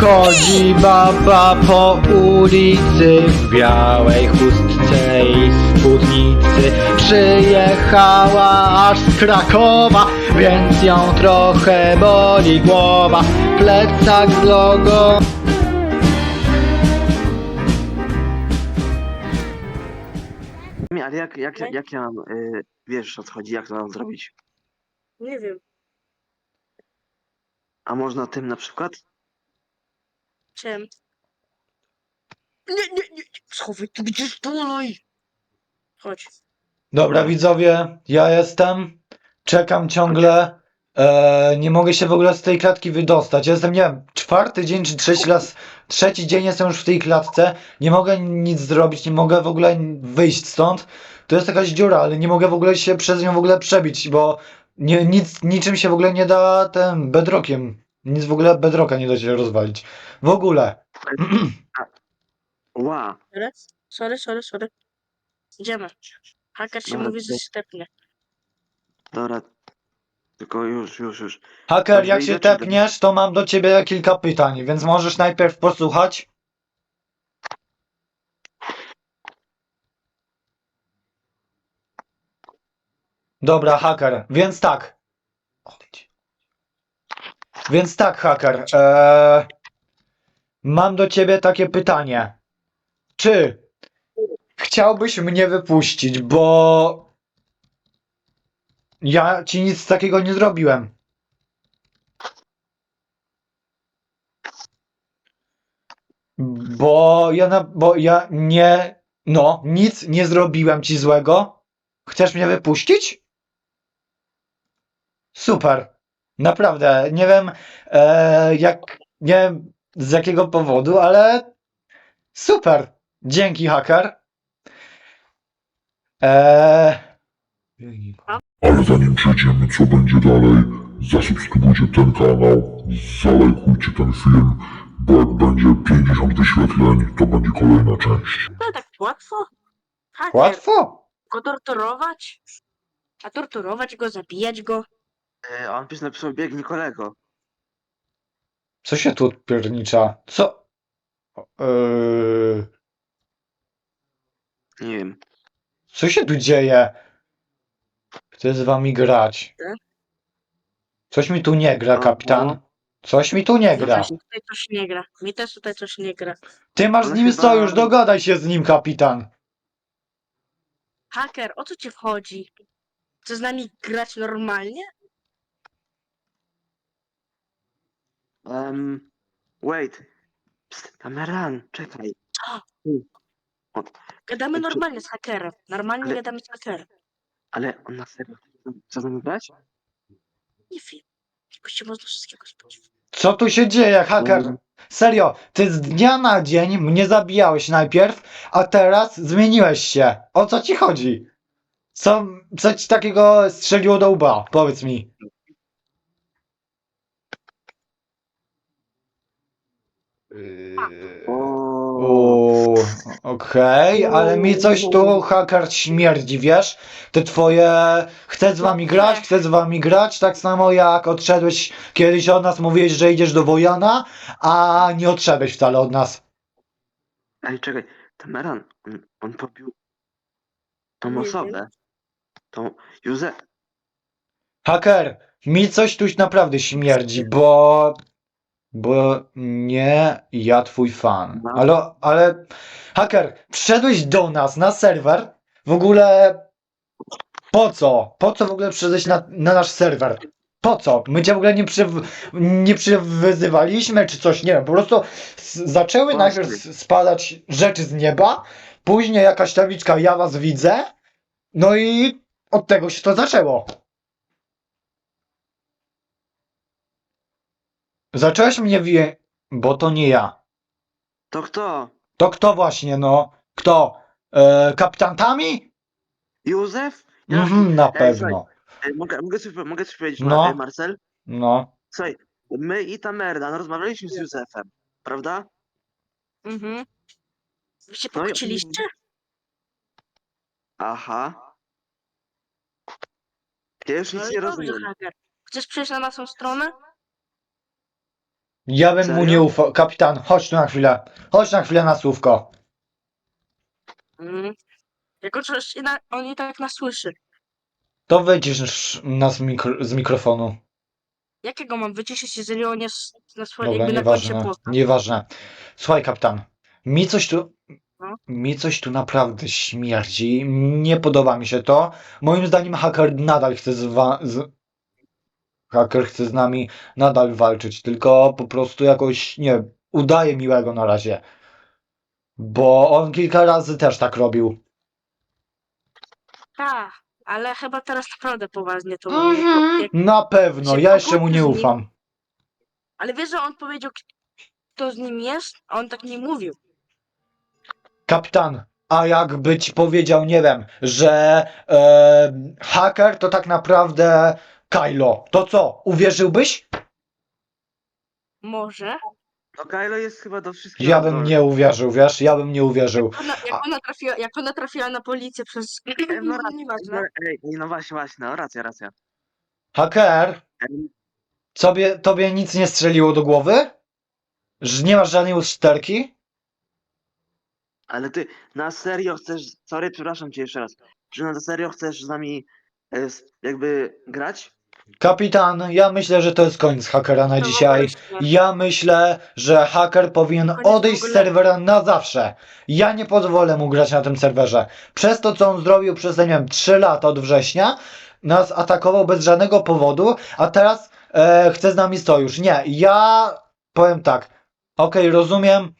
Chodzi baba po ulicy w białej chustce i spódnicy. Przyjechała aż z Krakowa, więc ją trochę boli głowa. Plecak z logo. Ale jak ja mam, wiesz o co chodzi, jak to mam zrobić? Nie wiem, A można tym na przykład? czym. Nie. Schowaj, ty będziesz dalej. Chodź. Dobra widzowie, ja jestem. Czekam ciągle. Nie mogę się w ogóle z tej klatki wydostać. Ja jestem, nie wiem, czwarty dzień czy trzeci dzień jestem już w tej klatce. Nie mogę nic zrobić, nie mogę w ogóle wyjść stąd. To jest jakaś dziura, ale nie mogę w ogóle się przez nią w ogóle przebić, bo niczym się w ogóle nie da tym bedrockiem. Nic w ogóle bedrocka nie da się rozwalić. W ogóle. Ła, Sorry. Idziemy. Haker się Dobra, mówi, że to- się tepnie. dobra. Tylko już. Haker, Dobrze, jak się idę, czy do- tepniesz, to mam do ciebie kilka pytań, więc możesz najpierw posłuchać. Dobra, haker, więc tak. Odejdź. Więc tak, haker. Mam do ciebie takie pytanie. Czy chciałbyś mnie wypuścić, bo ja ci nic takiego nie zrobiłem. Bo ja nie, no, nic nie zrobiłem ci złego. Chcesz mnie wypuścić? Super. Naprawdę, nie wiem nie wiem z jakiego powodu, ale super. Dzięki, haker. Ale zanim przejdziemy, co będzie dalej, zasubskrybujcie ten kanał, zalajkujcie ten film, bo jak będzie 50 wyświetleń, to będzie kolejna część. No tak łatwo? Haker, Łatwo. go torturować? A torturować go, zabijać go? On pies napisał biegnij kolego. Co się tu piernicza? Co? Nie wiem. Co się tu dzieje? Chcę z wami grać. Coś mi tu nie gra, kapitan. Coś mi tu nie No gra. właśnie, tutaj coś nie gra. Mi też tutaj coś nie gra. Ty masz z Ale nim chyba- sojusz, dogadaj się z nim, kapitan. Haker, o co ci wchodzi? Chcesz z nami grać normalnie? Wait. Psst, Kameran, czekaj. Gadamy Czy- normalnie z hakerem. Normalnie Ale- gadamy z hakerem. Ale on na serio chce z nami grać? Nie wiem. Jakoś się można wszystkiego spodziewać. Co tu się dzieje, haker? Serio, ty z dnia na dzień mnie zabijałeś najpierw, a teraz zmieniłeś się. O co ci chodzi? Co ci takiego strzeliło do łba? Powiedz mi. O, Okej, ale mi coś tu haker śmierdzi, wiesz? Te twoje chcę z wami grać, tak samo jak odszedłeś kiedyś od nas, mówiłeś, że idziesz do Wojana, a nie odszedłeś wcale od nas. Ej, czekaj. Kameran, on pobił tą Nie osobę. Tą Józef. Haker, mi coś tu naprawdę śmierdzi, bo nie ja twój fan. No. Ale haker, wszedłeś do nas na serwer, w ogóle po co? Po co w ogóle przyszedłeś na nasz serwer? Po co? My cię w ogóle nie przywyzywaliśmy czy coś, nie wiem, po prostu zaczęły Właśnie. najpierw spadać rzeczy z nieba, później jakaś tabliczka ja was widzę, no i od tego się to zaczęło. Zacząłeś mnie bo to nie ja. To kto? To kto właśnie, no? Kto? Kapitan Tami? Józef? Na Ej, pewno. Mogę coś powiedzieć, No. Marcel? No. Słuchaj, my i ta Merdan rozmawialiśmy z Józefem, prawda? Mhm. Wy się No i- pokłóciliście? Aha. Ja już No nic i nie dobrze, rozumiem. haker. Chcesz przejść na naszą stronę? Ja bym mu Serio? nie ufał. Kapitan, chodź tu na chwilę. Chodź na chwilę na słówko. Mm. Jako coś on i tak nas słyszy. To wycisz nas z mikrofonu. Jakiego mam wyciszyć, jeżeli on jest na swoim, Dobra, jakby na końcu nieważne. posta? Nieważne. Słuchaj, kapitan. Mi coś tu. No. Mi coś tu naprawdę śmierdzi. Nie podoba mi się to. Moim zdaniem haker nadal chce Haker chce z nami nadal walczyć, tylko po prostu jakoś, nie wiem, udaje miłego na razie. Bo on kilka razy też tak robił. Tak, ale chyba teraz naprawdę poważnie to mówi. Na pewno, się ja jeszcze mu pokłócił nie z nim. ufam. Ale wiesz, że on powiedział, kto z nim jest, a on tak nie mówił. Kapitan, a jakby ci powiedział, nie wiem, że haker to tak naprawdę Kylo, to co, uwierzyłbyś? Może. No Kylo jest chyba do wszystkiego Ja bym zdolny. nie uwierzył, wiesz, ja bym nie uwierzył. Jak ona trafiła na policję przez... No racja, Nieważne. ej, no właśnie, no racja. Haker, Ej, tobie nic nie strzeliło do głowy? Że nie masz żadnej usterki? ale ty na serio chcesz, sorry, przepraszam cię jeszcze raz, czy na serio chcesz z nami jakby grać? Kapitan, ja myślę, że to jest koniec hakera na To w dzisiaj. ogóle- Ja myślę, że haker powinien Koniec w odejść z ogóle. serwera na zawsze. Ja nie pozwolę mu grać na tym serwerze. Przez to, co on zrobił przez, nie wiem, 3 lata od września, nas atakował bez żadnego powodu, a teraz chce z nami sojusz. Nie, ja powiem tak. Okej, rozumiem.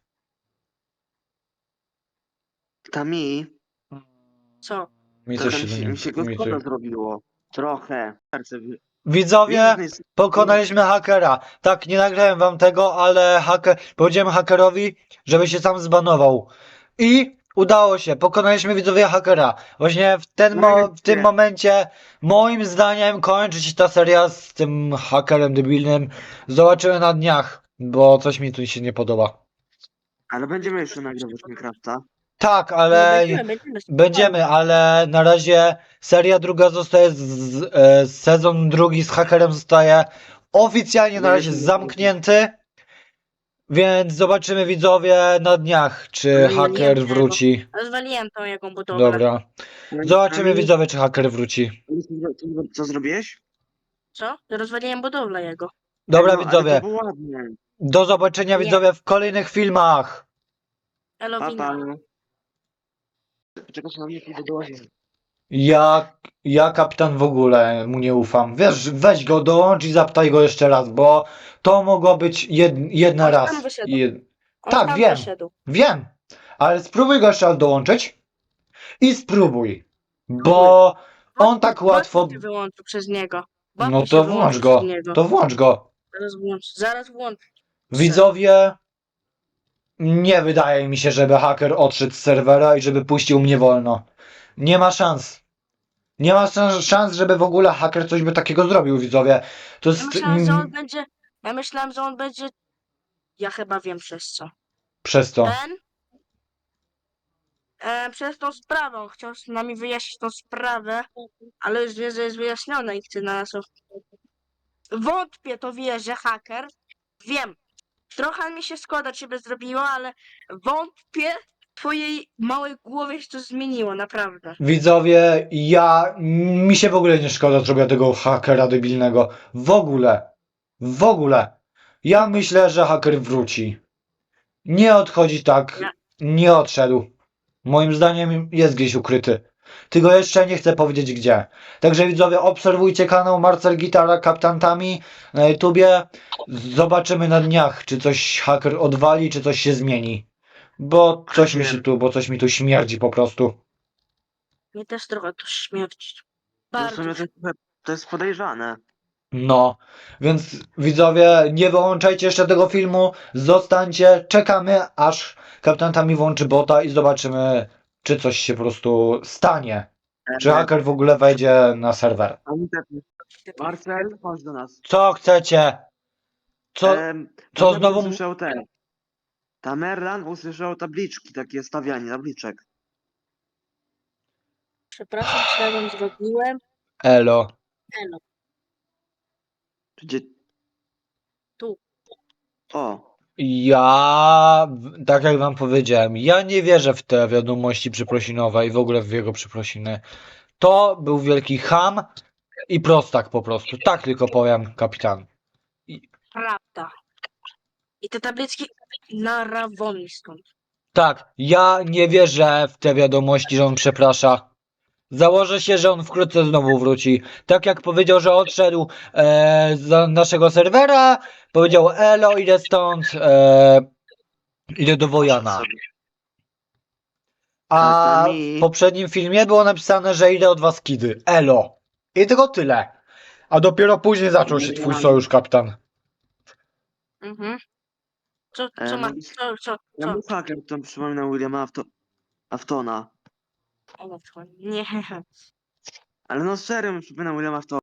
Tami, Co? trochę mi się go szkoda zrobiło. Trochę. Widzowie, Business. pokonaliśmy hakera. Tak, nie nagrałem wam tego, ale powiedziałem hakerowi, żeby się sam zbanował. I udało się, pokonaliśmy widzowie hakera. Właśnie w tym momencie, moim zdaniem, kończy się ta seria z tym hakerem debilnym. Zobaczymy na dniach, bo coś mi tu się nie podoba. Ale będziemy jeszcze nagrywać Minecrafta. Tak, ale Będziemy. będziemy, ale na razie seria druga zostaje, sezon drugi z hakerem zostaje oficjalnie na razie zamknięty. Więc zobaczymy widzowie na dniach, czy Rozwaliłem haker tego. wróci. Rozwaliłem tą jego budowlę. Dobra. Zobaczymy widzowie, czy haker wróci. Co zrobiłeś? Co? Rozwaliłem budowlę jego. Dobra No, ale widzowie, to było ładnie. do zobaczenia Nie. widzowie w kolejnych filmach. Elowina. Papa. Czego się na mnie pójdę do łazienki. Ja kapitan w ogóle mu nie ufam. Wiesz, weź go, dołącz i zapytaj go jeszcze raz, bo to mogło być jedna On raz. tam wyszedł. On Tak, tam wiem. wyszedł. Wiem, ale spróbuj go jeszcze raz dołączyć i spróbuj, bo on tak łatwo... Bot się wyłączył przez niego. Bot No się to wyłączył włącz go, przez niego. to włącz go. Zaraz włącz. Widzowie, nie wydaje mi się, żeby haker odszedł z serwera i żeby puścił mnie wolno. Nie ma szans. Nie ma szans, żeby w ogóle haker coś by takiego zrobił, widzowie. To Ja jest... myślałem, że on będzie... Ja myślałem, że on będzie... Ja chyba wiem przez co. Przez to. Przez tą sprawę. On chciał z nami wyjaśnić tą sprawę, ale już wie, że jest wyjaśniona i chce na nas... Wątpię, to wie, że haker. Wiem. Trochę mi się szkoda ciebie zrobiło, ale wątpię, w twojej małej głowie się to zmieniło, naprawdę. Widzowie, mi się w ogóle nie szkoda zrobienia tego hakera debilnego. W ogóle. W ogóle. Ja myślę, że haker wróci. Nie odchodzi tak. Nie odszedł. Moim zdaniem jest gdzieś ukryty. Tylko jeszcze nie chcę powiedzieć gdzie. Także widzowie, obserwujcie kanał Marcel Gitara Kaptantami na YouTubie. Zobaczymy na dniach, czy coś haker odwali, czy coś się zmieni. Bo coś mi tu śmierdzi po prostu. Mnie też trochę to śmierci. No w Bardzo. sumie to jest podejrzane. No, więc widzowie, nie wyłączajcie jeszcze tego filmu, zostańcie, czekamy aż Kaptantami włączy bota i zobaczymy, czy coś się po prostu stanie. Czy haker w ogóle wejdzie na serwer. Marcel, chodź do nas. Co chcecie? Co Co znowu- usłyszał te? Tamerlan usłyszał tabliczki, takie stawianie tabliczek. Przepraszam, co ja wam zrobiłem. Elo. Elo, Gdzie... tu. O, Tak jak wam powiedziałem, ja nie wierzę w te wiadomości przeprosinowe i w ogóle w jego przeprosiny. To był wielki cham i prostak po prostu. Tak tylko powiem, kapitan. Prawda. I te tabliczki na rawoni stąd. Tak, ja nie wierzę w te wiadomości, że on przeprasza. Założę się, że on wkrótce znowu wróci. Tak jak powiedział, że odszedł z naszego serwera, powiedział elo, idę stąd, idę do Wojana. sobie. A to mi- w poprzednim filmie było napisane, że idę od was kidy. Elo. I tylko tyle. A dopiero później zaczął się twój sojusz, kapitan. Mhm. Co no, ma, co? Ja był haker, to przypominał Williama Aftona. Nie. Ale no serio mi przypominał Williama